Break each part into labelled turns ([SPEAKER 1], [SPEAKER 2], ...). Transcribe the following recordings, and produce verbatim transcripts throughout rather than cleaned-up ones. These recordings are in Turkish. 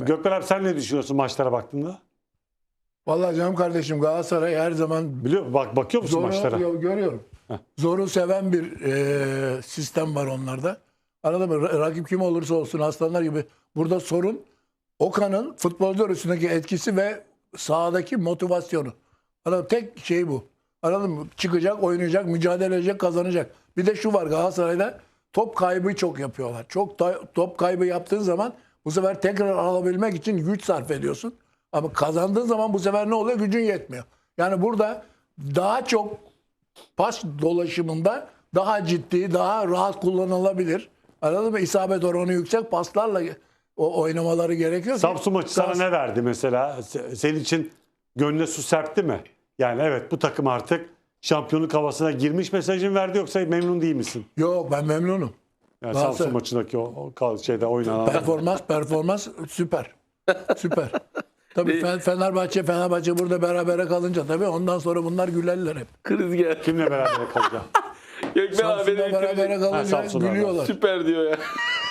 [SPEAKER 1] Gökmen abi sen ne düşünüyorsun maçlara baktığında?
[SPEAKER 2] Vallahi canım kardeşim Galatasaray her zaman
[SPEAKER 1] Biliyor musun? Bak, bakıyor musun
[SPEAKER 2] zoru
[SPEAKER 1] maçlara?
[SPEAKER 2] yo- görüyorum. Zoru seven bir e, sistem var onlarda. Anladın mı? Ra- Rakip kim olursa olsun aslanlar gibi. Burada sorun Okan'ın futbolcular üstündeki etkisi ve sahadaki motivasyonu. Anladın mı? Tek şey bu. Anladın mı? Çıkacak, oynayacak, mücadele edecek, kazanacak. Bir de şu var Galatasaray'da top kaybı çok yapıyorlar. Çok da, top kaybı yaptığın zaman bu sefer tekrar alabilmek için güç sarf ediyorsun. Ama kazandığın zaman bu sefer ne oluyor? Gücün yetmiyor. Yani burada daha çok pas dolaşımında daha ciddi, daha rahat kullanılabilir. Anladın mı? İsabet oranı yüksek paslarla o oynamaları gerekiyor. ki-
[SPEAKER 1] Samsun maçı sana
[SPEAKER 2] Kas-
[SPEAKER 1] ne verdi mesela? Se- Senin için gönlüne su serpti mi? Yani evet, bu takım artık şampiyonluk havasına girmiş mesajını verdi, yoksa memnun değil misin?
[SPEAKER 2] Yok ben memnunum.
[SPEAKER 1] Yani
[SPEAKER 2] Galatasaray-
[SPEAKER 1] Samsun maçındaki o, o kal- şeyde oynanan.
[SPEAKER 2] Performans performans süper. Süper. Tabii Fe- Fenerbahçe Fenerbahçe burada berabere kalınca tabii ondan sonra bunlar gülerler hep.
[SPEAKER 3] Kriz geldi.
[SPEAKER 1] Kimle beraber kalacak?
[SPEAKER 3] Gökmen abi
[SPEAKER 2] Samsun'da
[SPEAKER 3] benim
[SPEAKER 2] berabere
[SPEAKER 3] kriz-
[SPEAKER 2] kalınca
[SPEAKER 1] Samsun'da
[SPEAKER 2] gülüyorlar.
[SPEAKER 3] süper diyor ya.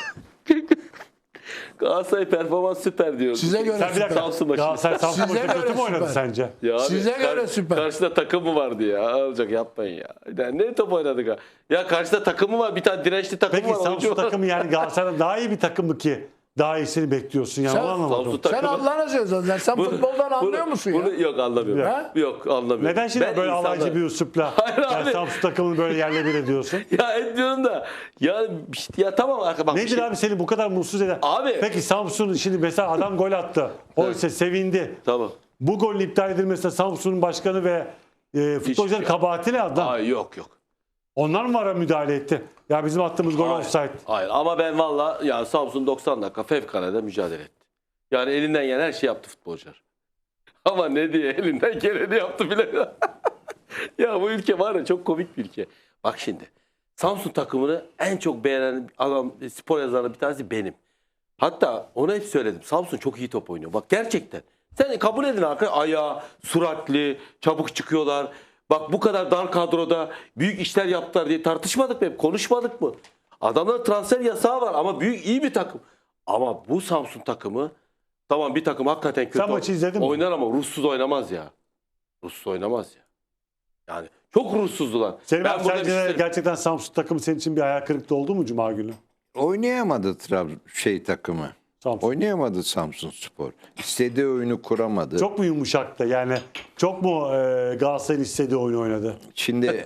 [SPEAKER 3] Galatasaray performans süper diyor.
[SPEAKER 2] Size göre
[SPEAKER 1] Sen bir dakika.
[SPEAKER 3] Samsun maçı.
[SPEAKER 1] Galatasaray Samsun
[SPEAKER 2] Size
[SPEAKER 1] maçı kötü
[SPEAKER 2] göre
[SPEAKER 1] mü oynadı
[SPEAKER 2] süper.
[SPEAKER 1] sence?
[SPEAKER 3] Ya abi,
[SPEAKER 2] Size göre süper.
[SPEAKER 3] Karşıda takımı vardı ya. Alacak yapmayın ya. ya. Ne top oynadık ha? Ya karşıda takımı var. Bir tane dirençli takımı
[SPEAKER 1] Peki
[SPEAKER 3] var. oyuncu
[SPEAKER 1] Samsun
[SPEAKER 3] var.
[SPEAKER 1] takımı yani Galatasaray'dan daha iyi bir takım mı ki? Daha iyisini bekliyorsun yani,
[SPEAKER 2] Sen-
[SPEAKER 1] onu anlamadım.
[SPEAKER 3] Samsun
[SPEAKER 2] Sen
[SPEAKER 3] takımı-
[SPEAKER 2] Allah'ına seversen sen
[SPEAKER 3] Bunu-
[SPEAKER 2] futboldan anlıyor
[SPEAKER 3] bunu-
[SPEAKER 2] musun
[SPEAKER 3] bunu,
[SPEAKER 2] ya?
[SPEAKER 3] Yok anlamıyorum.
[SPEAKER 2] Ha?
[SPEAKER 3] Yok anlamıyorum.
[SPEAKER 1] Neden şimdi
[SPEAKER 3] Ben
[SPEAKER 1] böyle
[SPEAKER 3] insanlar-
[SPEAKER 1] alaycı bir üslupla
[SPEAKER 3] Hayır
[SPEAKER 1] yani
[SPEAKER 3] abi.
[SPEAKER 1] Samsun takımını böyle yerle bir ediyorsun?
[SPEAKER 3] Ya etmiyorum da. Ya işte ya tamam arka bak. bir
[SPEAKER 1] Nedir
[SPEAKER 3] şey-
[SPEAKER 1] abi seni bu kadar mutsuz eden?
[SPEAKER 3] Abi.
[SPEAKER 1] Peki Samsun şimdi mesela adam gol attı. O ise sevindi.
[SPEAKER 3] Tamam.
[SPEAKER 1] Bu golün iptal edilmesine Samsun'un başkanı ve e, futbolcuların
[SPEAKER 3] Hiç-
[SPEAKER 1] kabahati ne adam?
[SPEAKER 3] Ay yok yok.
[SPEAKER 1] Onlar mı vara müdahale etti? Ya bizim attığımız gol
[SPEAKER 3] Hayır,
[SPEAKER 1] offside.
[SPEAKER 3] hayır ama ben valla ya Samsun doksan dakika fevkalade mücadele etti. Yani elinden gelen her şey yaptı futbolcular. Ama ne diye elinden geleni yaptı bile. Ya bu ülke var ya çok komik bir ülke. Bak şimdi Samsun takımını en çok beğenen adam spor yazarı bir tanesi benim. Hatta ona hep söyledim. Samsun çok iyi top oynuyor. Bak gerçekten. Sen kabul edin arkadaşlar. Ayağı, süratli, çabuk çıkıyorlar. Bak bu kadar dar kadroda büyük işler yaptılar diye tartışmadık mı? Hep konuşmadık mı? Adamların transfer yasağı var ama büyük iyi bir takım. Ama bu Samsun takımı tamam bir takım hakikaten kötü
[SPEAKER 1] Sen maçı izledin mi?
[SPEAKER 3] oynar ama ruhsuz oynamaz ya. Ruhsuz oynamaz ya. Yani çok ruhsuzdular.
[SPEAKER 1] Senin
[SPEAKER 3] Ben
[SPEAKER 1] abi
[SPEAKER 3] burada
[SPEAKER 1] sence
[SPEAKER 3] bir şey-
[SPEAKER 1] gerçekten Samsun takımı senin için bir hayal kırıklığı oldu mu Cuma günü?
[SPEAKER 4] Oynayamadı Trabzon şey takımı.
[SPEAKER 1] Samsun.
[SPEAKER 4] Oynayamadı Samsunspor. İstediği oyunu kuramadı.
[SPEAKER 1] Çok mu yumuşaktı yani? Çok mu e, Galatasaray'ın istediği oyunu oynadı?
[SPEAKER 4] Şimdi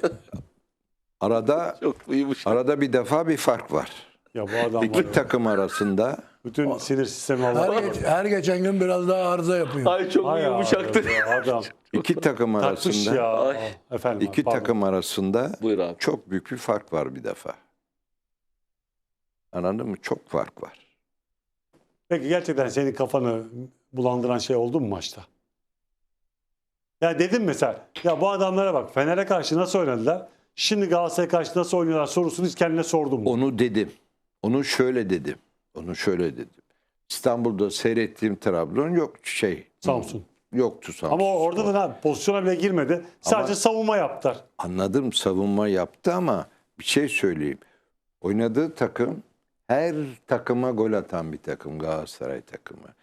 [SPEAKER 4] arada
[SPEAKER 3] çok uyumuş.
[SPEAKER 4] arada bir defa bir fark var.
[SPEAKER 1] Ya bu adam var
[SPEAKER 4] İki
[SPEAKER 1] ya.
[SPEAKER 4] takım arasında
[SPEAKER 1] Bütün sinir sistemi Allah.
[SPEAKER 2] Her, geç- her geçen gün biraz daha arıza yapıyor.
[SPEAKER 3] Ay çok
[SPEAKER 1] Ay
[SPEAKER 3] yumuşaktı.
[SPEAKER 1] abi ya, adam.
[SPEAKER 4] iki takım
[SPEAKER 1] Takmış
[SPEAKER 4] arasında
[SPEAKER 1] ya.
[SPEAKER 3] Ay.
[SPEAKER 1] Efendim.
[SPEAKER 4] iki
[SPEAKER 1] pardon.
[SPEAKER 4] takım arasında
[SPEAKER 3] Buyur abi.
[SPEAKER 4] çok büyük bir fark var bir defa. Anladın mı? Çok fark var.
[SPEAKER 1] Peki gerçekten senin kafanı bulandıran şey oldu mu maçta? Ya dedim mesela, ya bu adamlara bak, Fener'e karşı nasıl oynadılar? Şimdi Galatasaray'a karşı nasıl oynuyorlar sorusunu hiç kendine sordun mu?
[SPEAKER 4] Onu dedim. Onu şöyle dedim. Onu şöyle dedim. İstanbul'da seyrettiğim Trabzon yok şey.
[SPEAKER 1] Samsun.
[SPEAKER 4] Yoktu Samsun.
[SPEAKER 1] Ama orada da ne abi, pozisyona bile girmedi. Sadece
[SPEAKER 4] Ama-
[SPEAKER 1] savunma yaptılar.
[SPEAKER 4] Anladım, savunma yaptı ama bir şey söyleyeyim. Oynadığı takım her takıma gol atan bir takım, Galatasaray takımı.